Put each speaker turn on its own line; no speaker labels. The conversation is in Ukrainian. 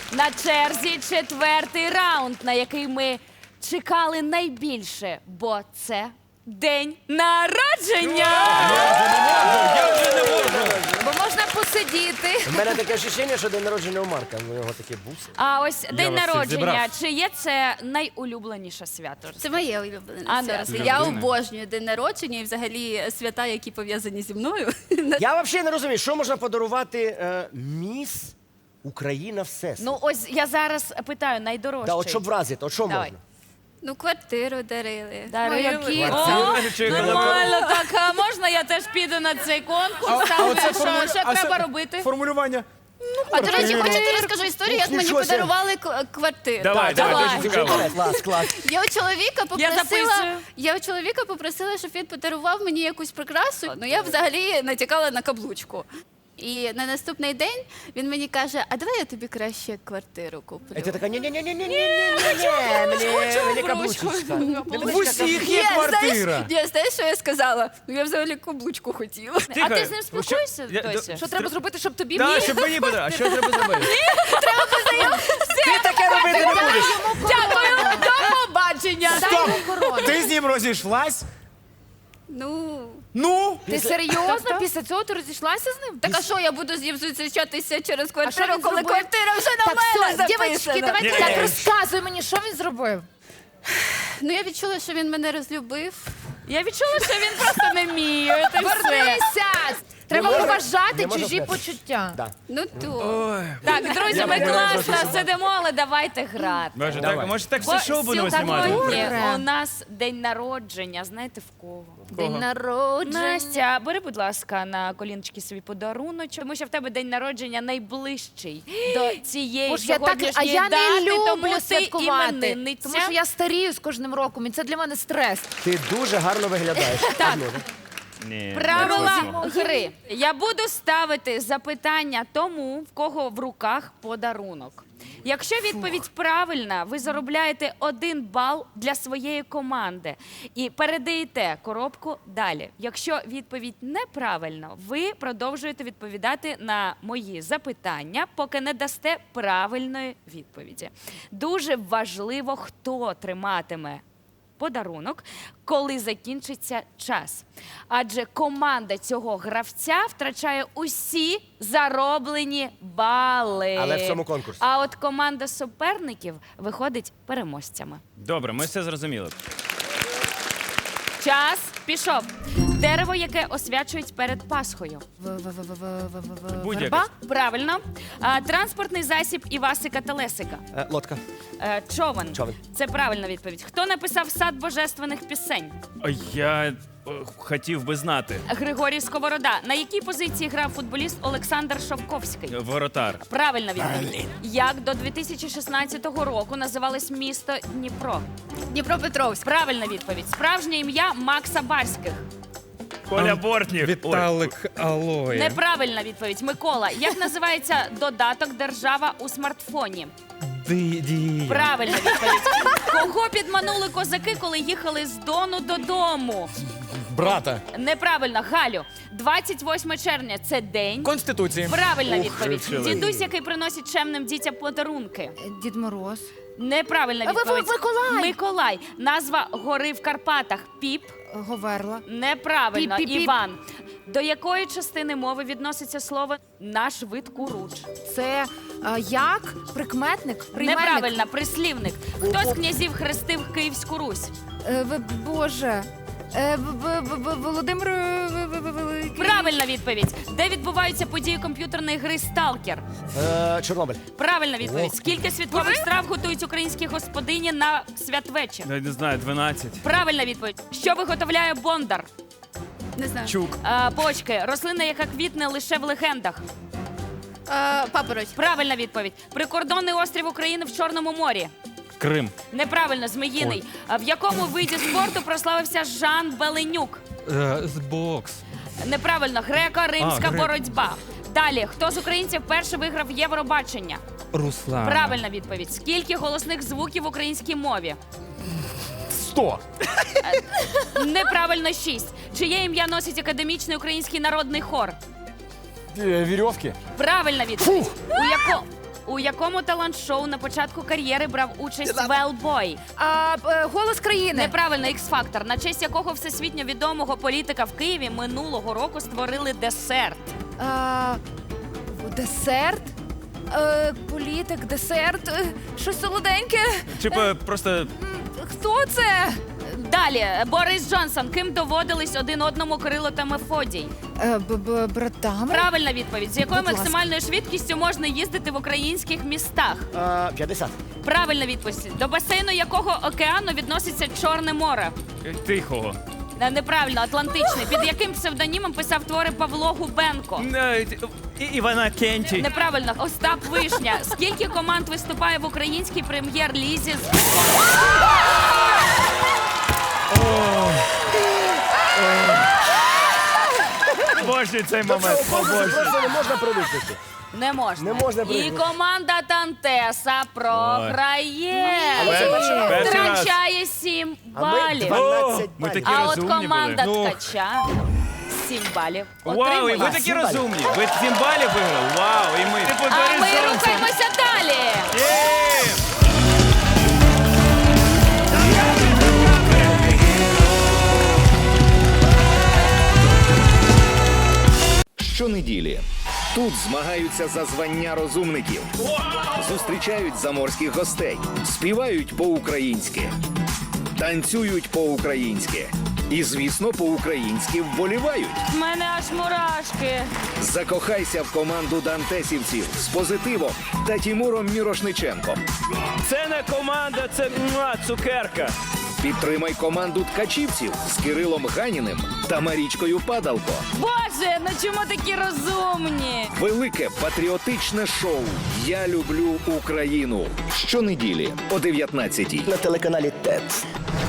На черзі четвертий раунд, на який ми чекали найбільше, бо це день народження!
Я вже не можу.
Бо можна посидіти.
У мене таке відчуття, що день народження у Марка. У нього такі буси.
А ось день
вас всіх
народження,
зібрав.
чи є це найулюбленіше свято?
Це моє улюблене
А,
свято.
да.
Я обожнюю день народження і взагалі свята, які пов'язані зі мною.
Я взагалі не розумію, що можна подарувати міс Україна Всесвіт.
Ну ось я зараз питаю найдорожчий.
Да, от щоб вразити, от що
Давай.
можна?
Ну, квартиру дарили.
Дарили.
які
О,
Чи
нормально, так, а можна я теж піду на цей конкурс? Що треба робити?
Формулювання.
А, до речі, хочете розкажу історію, як мені
Нічого собі.
подарували квартиру.
Давай,
давай.
дуже цікаво.
Клас, клас.
Я записую.
Я у чоловіка попросила, щоб він подарував мені якусь прикрасу. Ну, я взагалі натякала на каблучку. І на наступний день він мені каже, а давай я тобі краще квартиру куплю.
І ти така, ні-ні-ні-ні-ні-ні, мені каблучечка.
В усіх є квартира.
Знаєш, що я сказала? Ну, я взагалі каблучку хотіла.
А ти з ним спілкуєшся
Я-
досі?
Що треба зробити, щоб тобі
Так,
міг?
щоб мені буде. А що треба зробити?
Ти таке робити не будеш.
Дякую, до побачення.
Стоп! Ти з ним розійшлась?
Ну,
Ну?
Ти серйозно? Після цього ти розійшлася з ним?
так а що я буду з ним зустрічатися через
що
квартиру,
він
коли
зробив?
квартира вже на
Так,
мене
все, дівчатки,
записана?
давайте
Ні.
так, розказуй мені, що він зробив.
Ну, я відчула, що він мене розлюбив.
Я відчула, що він просто не вміє. Ти все.
Вернися! Треба
можна-
поважати
не можна
чужі
сказати.
почуття.
Да.
Ну, то.
Так, друзі, ми класно сидимо, але давайте грати.
Може,
Давай.
так, може так
Бо
все шоу будемо знімати?
сьогодні
Добре.
у нас день народження. Знаєте в кого?
День народження.
Настя, бери, будь ласка, на коліночки свій подаруночок, тому що в тебе день народження найближчий до цієї
Боже, я так, а
сьогоднішньої
я
дати,
не
тому
люблю
ти
святкувати,
іменинниця.
тому що я старію з кожним роком, і це для мене стрес.
Ти дуже гарно виглядаєш.
Так.
Ні.
Правила
не хочемо.
гри. Я буду ставити запитання тому, в кого в руках подарунок. Якщо відповідь правильна, ви заробляєте 1 бал для своєї команди і передаєте коробку далі. Якщо відповідь неправильна, ви продовжуєте відповідати на мої запитання, поки не дасте правильної відповіді. Дуже важливо, хто триматиме подарунок, коли закінчиться час. Адже команда цього гравця втрачає усі зароблені бали.
Але в цьому конкурсі.
А от команда суперників виходить переможцями.
Добре, ми все зрозуміли.
Час пішов. Дерево, яке освячують перед Пасхою.
Будь-яке.
Верба?
Правильно. Транспортний засіб Івасика Телесика.
Лодка.
Човен.
Човен.
Це правильна відповідь. Хто написав сад божественних пісень?
Я хотів би знати.
Григорій Сковорода. На якій позиції грав футболіст Олександр Шовковський?
Воротар.
Правильна відповідь. Як до 2016 року називалось місто Дніпро?
Дніпропетровськ.
Правильна відповідь. Справжнє ім'я Макса Барських.
Коля Бортнів.
Віталик Алоє.
Неправильна відповідь. Микола. Як називається додаток держава у смартфоні?
Дія.
Правильна відповідь. Кого підманули козаки, коли їхали з Дону додому?
Брата.
Неправильно. Галю. 28 червня – це день.
Конституції.
Правильна відповідь.
вивчили.
Дідусь, який приносить чемним дітям подарунки.
Дід Мороз.
Неправильна
А ви-
відповідь.
Миколай.
Миколай. Назва гори в Карпатах. Піп.
Говерла.
Неправильно.
Піп-піп-піп.
Іван. До якої частини мови відноситься слово «наш вид куруч»?
Це як? Прикметник? Прийменник?
Неправильно. Прислівник. Хто з князів хрестив Київську Русь?
Боже. Володимир Великий.
Правильна відповідь. Де відбуваються події комп'ютерної гри «Сталкер»?
Чорнобиль.
Правильна відповідь. Скільки святкових страв готують українські господині на святвечір?
Я не знаю, 12.
Правильна відповідь. Що виготовляє Бондар?
Не знаю.
Чук.
Почки. Рослина, яка квітне лише в легендах.
Папороть.
Правильна відповідь. Прикордонний острів України в Чорному морі.
Крим.
Неправильно, Зміїний. В якому виді спорту прославився Жан Беленюк?
З бокс.
Неправильно, греко-римська
грек.
боротьба. Далі, хто з українців перший виграв Євробачення?
Руслан.
Правильна відповідь. Скільки голосних звуків в українській мові?
100.
Неправильно, 6. Чиє ім'я носить академічний український народний хор?
Вірьовки.
Правильна відповідь. У якому талант-шоу на початку кар'єри брав участь Велбой?
Голос країни.
Неправильно, X-Factor, на честь якого всесвітньо відомого політика в Києві минулого року створили десерт.
Десерт. Політик, десерт. Щось солоденьке.
Чи просто
Хто це?
Далі, Борис Джонсон. Ким доводились один одному Кирило та Мефодій?
Братами.
Правильна відповідь. З якою
Будь ласка.
максимальною швидкістю можна їздити в українських містах?
50.
Правильна відповідь. До басейну якого океану відноситься Чорне море?
тихого?
Неправильно, Атлантичний. Під яким псевдонімом писав твори Павло Губенко?
Івана Кенті.
Неправильно, Остап Вишня. Скільки команд виступає в українській прем'єр-лізі?
Боже, цей
До
момент.
цього конкурсу просто не можна привикнути.
Не можна.
Не можна
І
прийняти.
команда Тантеса програє.
Але це перший раз.
Перший раз.
Втрачає 7
А ми
балів.
12
Ми
балів.
такі
А от
розумні
команда
були.
Ткача 7 балів.
Вау, і
отримує.
ви такі
7 балів.
розумні. Ви 7 балів виграли. Вау, і ми.
А ми рухаємося далі.
Щонеділі тут змагаються за звання розумників, зустрічають заморських гостей, співають по-українськи, танцюють по-українськи і, звісно, по-українськи вболівають.
В мене аж мурашки.
Закохайся в команду дантесівців з Позитивом та Тімуром Мірошниченком.
Це не команда, це цукерка.
Підтримай команду ткачівців з Кирилом Ганіним та Марічкою Падалко.
Боже, ну чому такі розумні?
Велике патріотичне шоу «Я люблю Україну». Щонеділі о 19-й.
На телеканалі ТЕТ.